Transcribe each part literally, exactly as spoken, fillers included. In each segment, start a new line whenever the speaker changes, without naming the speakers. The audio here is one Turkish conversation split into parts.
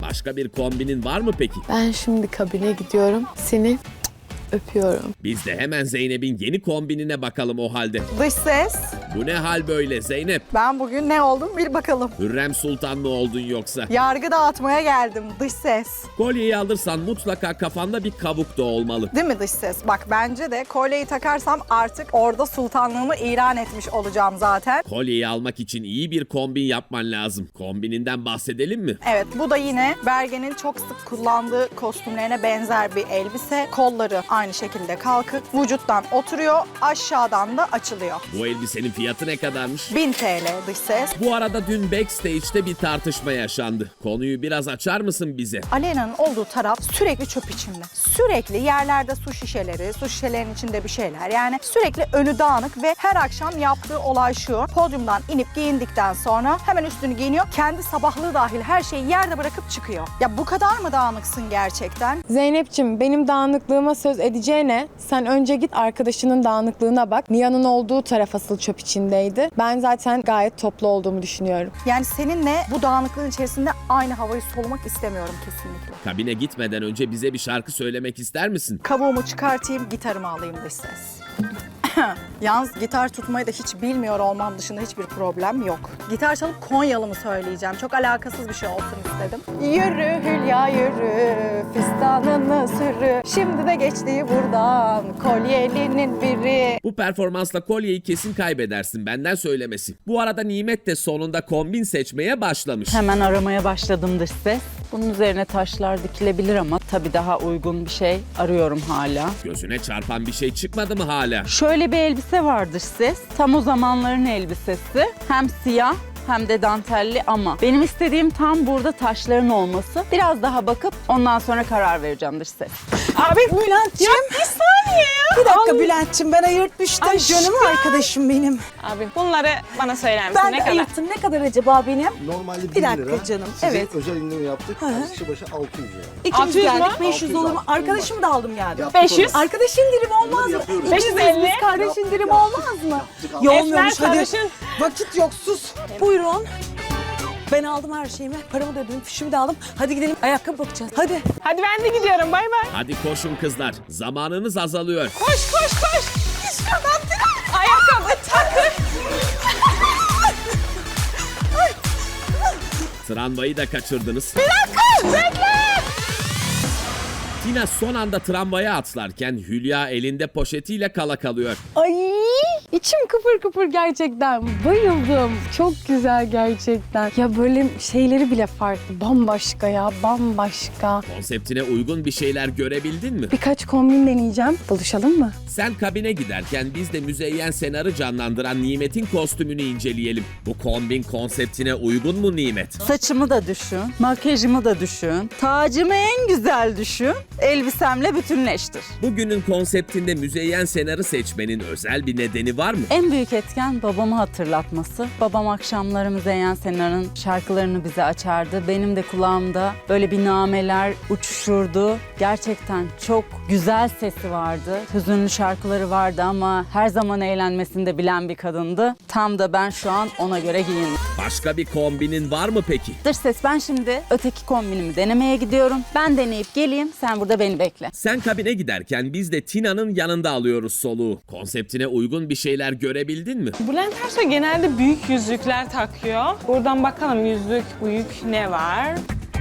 Başka bir kombinin var mı peki?
Ben şimdi kabine gidiyorum. Seni öpüyorum.
Biz de hemen Zeynep'in yeni kombinine bakalım o halde.
Dış ses.
Bu ne hal böyle Zeynep?
Ben bugün ne oldum bil bakalım.
Hürrem Sultan mı oldun yoksa?
Yargı dağıtmaya geldim dış ses.
Kolyeyi alırsan mutlaka kafanda bir kabuk da olmalı.
Değil mi dış ses? Bak bence de kolyeyi takarsam artık orada sultanlığımı ilan etmiş olacağım zaten.
Kolyeyi almak için iyi bir kombin yapman lazım. Kombininden bahsedelim mi?
Evet, bu da yine Bergen'in çok sık kullandığı kostümlerine benzer bir elbise. Kolları aynı şekilde kalkık. Vücuttan oturuyor, aşağıdan da açılıyor.
Bu elbisenin fiyatı ne kadarmış?
bin T L dış ses.
Bu arada dün backstage'te bir tartışma yaşandı. Konuyu biraz açar mısın bize?
Aleyna'nın olduğu taraf sürekli çöp içinde. Sürekli yerlerde su şişeleri, su şişelerinin içinde bir şeyler. Yani sürekli önü dağınık ve her akşam yaptığı olay şu. Podyumdan inip giyindikten sonra hemen üstünü giyiniyor. Kendi sabahlığı dahil her şeyi yerde bırakıp çıkıyor. Ya bu kadar mı dağınıksın gerçekten?
Zeynep'ciğim benim dağınıklığıma söz edeceğine sen önce git arkadaşının dağınıklığına bak. Nihan'ın olduğu taraf asıl çöp içindeydi. Ben zaten gayet toplu olduğumu düşünüyorum.
Yani seninle bu dağınıklığın içerisinde aynı havayı solumak istemiyorum kesinlikle.
Kabine gitmeden önce bize bir şarkı söylemek ister misin?
Kabuğumu çıkartayım, gitarımı alayım dış ses. Yalnız gitar tutmayı da hiç bilmiyor olmam dışında hiçbir problem yok. Gitar çalıp Konyalı mı söyleyeceğim? Çok alakasız bir şey olsun istedim. Yürü Hülya yürü, fistanını sürü. Şimdi de geçti buradan, kolyelinin biri.
Bu performansla kolyeyi kesin kaybedersin, benden söylemesi. Bu arada Nimet de sonunda kombin seçmeye başlamış.
Hemen aramaya başladım dış ses. Bunun üzerine taşlar dikilebilir ama tabii daha uygun bir şey arıyorum hala.
Gözüne çarpan bir şey çıkmadı mı hala?
Şöyle bir elbise var dış ses. Tam o zamanların elbisesi. Hem siyah hem de dantelli ama benim istediğim tam burada taşların olması. Biraz daha bakıp ondan sonra karar vereceğim dış ses.
Abi Bülent'ciğim.
Bir saniye ya.
Bir dakika Bülent'ciğim, ben ayırtmıştım.
Ay,
Canım
şükür.
arkadaşım benim.
Abi bunları bana söyler misin?
Ben
Ne
de
kadar?
ayırttım. Ne kadar acaba benim?
Normalde bin
Bir dakika
lira.
canım,
Size
evet.
özel indirim yaptık. Kişi başı altı yüz lira.
İkimiz
altı yüz
geldik.
mü?
beş yüz olur mu? Arkadaşımı da aldım yani.
Yaptık
beş yüz.
onu.
Arkadaş indirimi olmaz mı?
yapıyoruz.
beş yüz elli.
Biz kardeş
Yaptık,
indirimi
yaptık.
olmaz mı?
Yaptık,
Ya
aldık.
olmuyormuş,
Esmer
hadi.
sarışın.
Vakit yok, sus. Buyurun. Ben aldım her şeyimi. Paramı da ödedim, fişimi de aldım. Hadi gidelim, ayakkabı bakacağız. Hadi.
Hadi ben de gidiyorum. Bay bay.
Hadi koşun kızlar, zamanınız azalıyor.
Koş koş koş. Ayakkabı takır.
Tramvayı da kaçırdınız.
Bekle.
Tina son anda tramvaya atlarken Hülya elinde poşetiyle kala kalıyor.
Ay içim kıpır kıpır gerçekten. Bayıldım. Çok güzel gerçekten. Ya böyle şeyleri bile farklı. Bambaşka ya bambaşka.
Konseptine uygun bir şeyler görebildin mi?
Birkaç kombin deneyeceğim. Buluşalım mı?
Sen kabine giderken biz de Müzeyyen Senar'ı canlandıran Nimet'in kostümünü inceleyelim. Bu kombin konseptine uygun mu Nimet?
Saçımı da düşün, makyajımı da düşün, tacımı en güzel düşün, elbisemle bütünleştir.
Bugünün konseptinde Müzeyyen Senar'ı seçmenin özel bir nedeni var mı?
En büyük etken babamı hatırlatması. Babam akşamları Müzeyyen Senar'ın şarkılarını bize açardı. Benim de kulağımda böyle bir nameler uçuşurdu. Gerçekten çok güzel sesi vardı. Hüzünlü şarkıları vardı ama her zaman eğlenmesini de bilen bir kadındı. Tam da ben şu an ona göre giyindim.
Başka bir kombinin var mı peki?
Dış ses, ben şimdi öteki kombinimi denemeye gidiyorum. Ben deneyip geleyim, sen burada beni bekle.
Sen kabine giderken biz de Tina'nın yanında alıyoruz soluğu. Konseptine uygun bir şeyler görebildin mi?
Bülent Ersoy genelde büyük yüzükler takıyor. Buradan bakalım yüzük büyük ne var?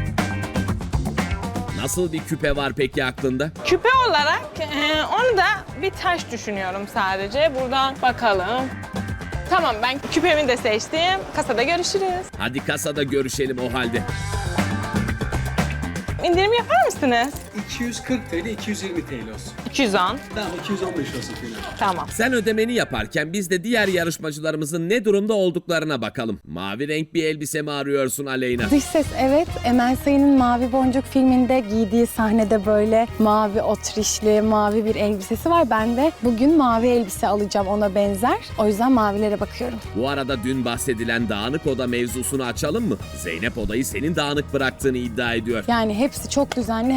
Nasıl bir küpe var peki aklında?
Küpe olarak e, onu da bir taş düşünüyorum sadece. Buradan bakalım. Tamam, ben küpemi de seçtim. Kasada görüşürüz.
Hadi kasada görüşelim o halde.
İndirim yapar mısınız?
iki yüz kırk TL, iki yüz yirmi TL olsun.
iki yüz on.
Tamam, iki yüz on beş olsun Fina.
Tamam.
Sen ödemeni yaparken biz de diğer yarışmacılarımızın ne durumda olduklarına bakalım. Mavi renk bir elbise mi arıyorsun Aleyna?
Dış ses evet. Emel Sayın'ın Mavi Boncuk filminde giydiği sahnede böyle mavi otrişli, mavi bir elbisesi var. Ben de bugün mavi elbise alacağım ona benzer. O yüzden mavilere bakıyorum.
Bu arada dün bahsedilen dağınık oda mevzusunu açalım mı? Zeynep odayı senin dağınık bıraktığını iddia ediyor.
Yani hepsi çok düzenli. He, ben daha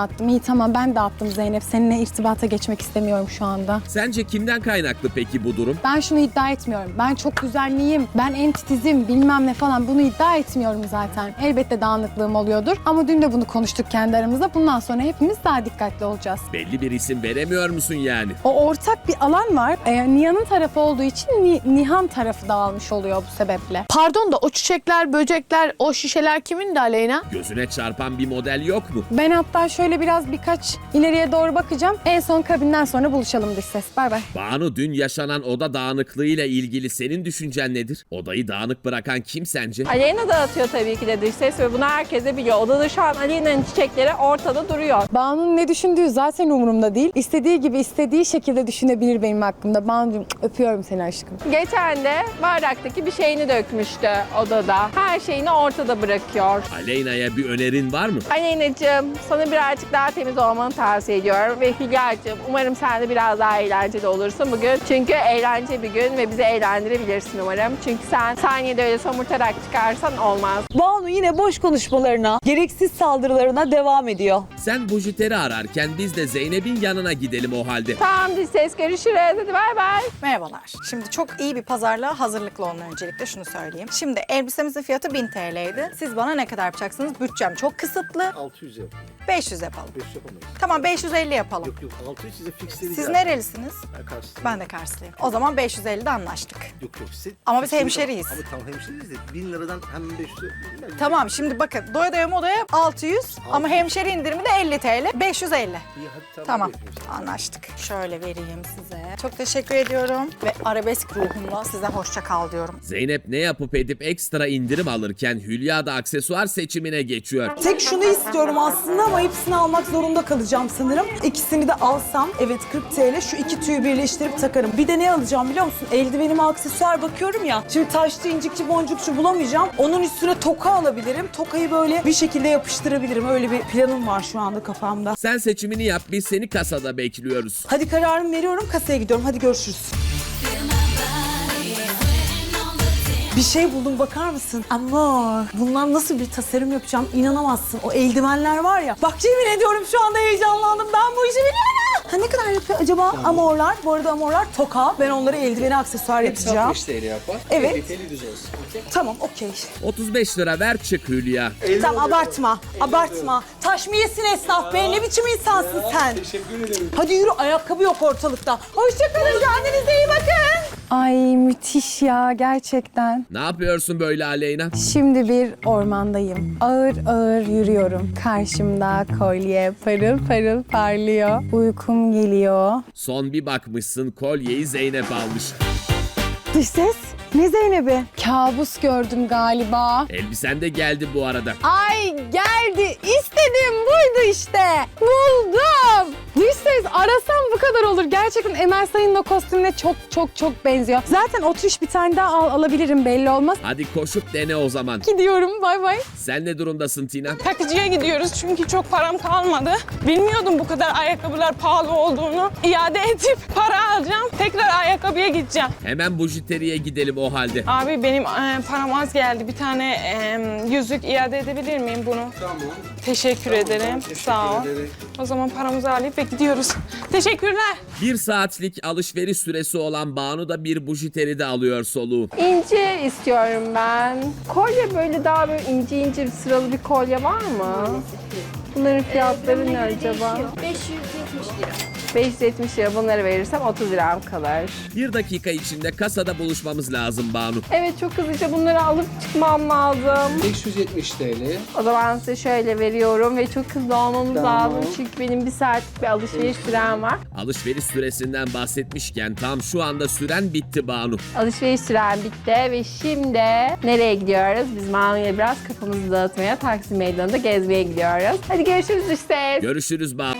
dağıttım. İyi tamam ben dağıttım Zeynep. Seninle irtibata geçmek istemiyorum şu anda.
Sence kimden kaynaklı peki bu durum?
Ben şunu iddia etmiyorum. Ben çok düzenliyim, ben en titizim bilmem ne falan bunu iddia etmiyorum zaten. Elbette dağınıklığım oluyordur ama dün de bunu konuştuk kendi aramızda. Bundan sonra hepimiz daha dikkatli olacağız.
Belli bir isim veremiyor musun yani?
O ortak bir alan var. Ee, Nihan'ın tarafı olduğu için Ni- Nihan tarafı dağılmış oluyor bu sebeple.
Pardon da o çiçekler, böcekler, o şişeler kimin de Aleyna?
Gözüne çarpan bir model yok mu?
Ben hatta şöyle biraz birkaç ileriye doğru bakacağım. En son kabinden sonra buluşalım dış ses. Bay bay.
Banu, dün yaşanan oda dağınıklığıyla ilgili senin düşüncen nedir? Odayı dağınık bırakan kim sence?
Aleyna dağıtıyor tabii ki de dış ses ve bunu herkes de biliyor. Odada şu an Aleyna'nın çiçekleri ortada duruyor.
Banu'nun ne düşündüğü zaten umurumda değil. İstediği gibi istediği şekilde düşünebilir benim hakkımda. Banu'cum öpüyorum seni aşkım.
Geçen de bardaktaki bir şeyini dökmüştü odada. Her şeyini ortada bırakıyor.
Aleyna'ya bir önerin var mı?
Aleyna'cığım sana birazcık daha temiz olmanı tavsiye ediyorum. Ve Hülya'cığım umarım sen de biraz daha eğlenceli olursun bugün. Çünkü eğlence bir gün ve bizi eğlendirebilirsin umarım. Çünkü sen saniyede öyle somurtarak çıkarsan olmaz.
Banu yine boş konuşmalarına, gereksiz saldırılarına devam ediyor.
Sen bujiteri ararken biz de Zeynep'in yanına gidelim o halde.
Tamam dış ses, görüşürüz. Hadi bay bay.
Merhabalar. Şimdi çok iyi bir pazarlığa hazırlıklı olun öncelikle şunu söyleyeyim. Şimdi elbisemizin fiyatı bin T L'ydi. Siz bana ne kadar yapacaksınız? Bütçem çok kısıtlı.
altı yüz yap.
beş yüz yapalım.
beş yüz yapamayız.
Tamam beş yüz elli yapalım.
Yok yok altı yüz size fixledi.
Siz nerelisiniz?
Ben karşısındayım.
Ben de Karslıyım. O zaman beş yüz ellide anlaştık.
Yok yok siz.
Ama biz
siz-
hemşeriyiz.
Ama tamam hemşeriyiz de bin liradan hemen beş yüz. Ben-
Tamam şimdi bakın doya doya modaya altı yüz ama hemşeri indirimi de elli T L. beş yüz elli.
İyi hadi tamam.
Tamam
görüşürüz.
anlaştık. Şöyle vereyim size. Çok teşekkür ediyorum. Ve arabesk ruhumla size hoşça kal diyorum.
Zeynep ne yapıp edip ekstra indirim alırken Hülya da aksesuar seçimine geçiyor.
Tek şunu istiyorum aslında ama hepsini almak zorunda kalacağım sanırım. İkisini de alsam evet kırk T L şu iki tüyü birleştirip takarım. Bir de ne alacağım biliyor musun? Eldivenime aksesuar bakıyorum ya. Şimdi taşlı, incikçi, boncukçu bulamayacağım. Onun üstüne toka alabilirim. Tokayı böyle bir şekilde yapıştırabilirim. Öyle bir planım var şu anda kafamda.
Sen seçimini yap, biz seni kasada bekliyoruz.
Hadi kararımı veriyorum, kasaya gidiyorum. Hadi görüşürüz. Bir şey buldum bakar mısın? Amor. Bundan nasıl bir tasarım yapacağım inanamazsın. O eldivenler var ya. Bak yemin ediyorum şu anda heyecanlandım. Ben bu işi biliyorum. Ha ne kadar yapıyor acaba amorlar? Bu arada amorlar toka. Ben onları eldivene aksesuar yapacağım.
altmış T L yapar.
Evet.
elli T L düz olsun. Okey.
Tamam okey.
otuz beş lira ver çık Hülya.
Tamam abartma. Abartma. Taş mı yesin esnaf be? Ne biçim insansın sen?
Teşekkür ederim.
Hadi yürü ayakkabı yok ortalıkta. Hoşçakalın kendinize iyi bakın.
Ay müthiş ya gerçekten.
Ne yapıyorsun böyle Aleyna?
Şimdi bir ormandayım. Ağır ağır yürüyorum. Karşımda kolye parıl parıl parlıyor. Uykum geliyor.
Son bir bakmışsın kolyeyi Zeynep almış.
Dış ses. Ne Zeynep'i? Kabus gördüm galiba.
Elbisen de geldi bu arada.
Ay geldi. İstediğim buydu işte. Buldum. Dış ses arasam bu kadar olur. Gerçekten Emel Sayın'ın o kostümüne çok çok çok benziyor. Zaten oturuş bir tane daha al, alabilirim belli olmaz.
Hadi koşup dene o zaman.
Gidiyorum bay bay.
Sen ne durumdasın Tina?
Takıcıya gidiyoruz çünkü çok param kalmadı. Bilmiyordum bu kadar ayakkabılar pahalı olduğunu. İade edip para alacağım. Tekrar ayakkabıya gideceğim.
Hemen bujiteriye gidelim o halde.
Abi benim e, param az geldi. Bir tane e, yüzük iade edebilir miyim bunu?
Tamam.
Teşekkür ederim.
Teşekkür
Sağ ol.
ederim.
O zaman paramızı alıp ve gidiyoruz. Teşekkürler.
Bir saatlik alışveriş süresi olan Banu da bir bujiteri de alıyor soluğu.
İnci istiyorum ben. Kolye böyle daha böyle ince ince sıralı bir kolye var mı? Bunların fiyatları ne acaba?
beş yüz yetmiş lira.
beş yüz yetmiş lira bunları verirsem otuz liram kalır.
Bir dakika içinde kasada buluşmamız lazım Banu.
Evet çok hızlıca bunları alıp çıkmam lazım.
beş yüz yetmiş T L.
O zaman size şöyle veriyorum ve çok hızlı olmamız
Tamam.
lazım. Çünkü benim bir saatlik bir alışveriş sürem var.
Alışveriş süresinden bahsetmişken tam şu anda süren bitti Banu.
Alışveriş sürem bitti ve şimdi nereye gidiyoruz? Biz Manu'yla biraz kafamızı dağıtmaya, Taksim Meydanı'nda gezmeye gidiyoruz. Hadi görüşürüz işte.
Görüşürüz Banu.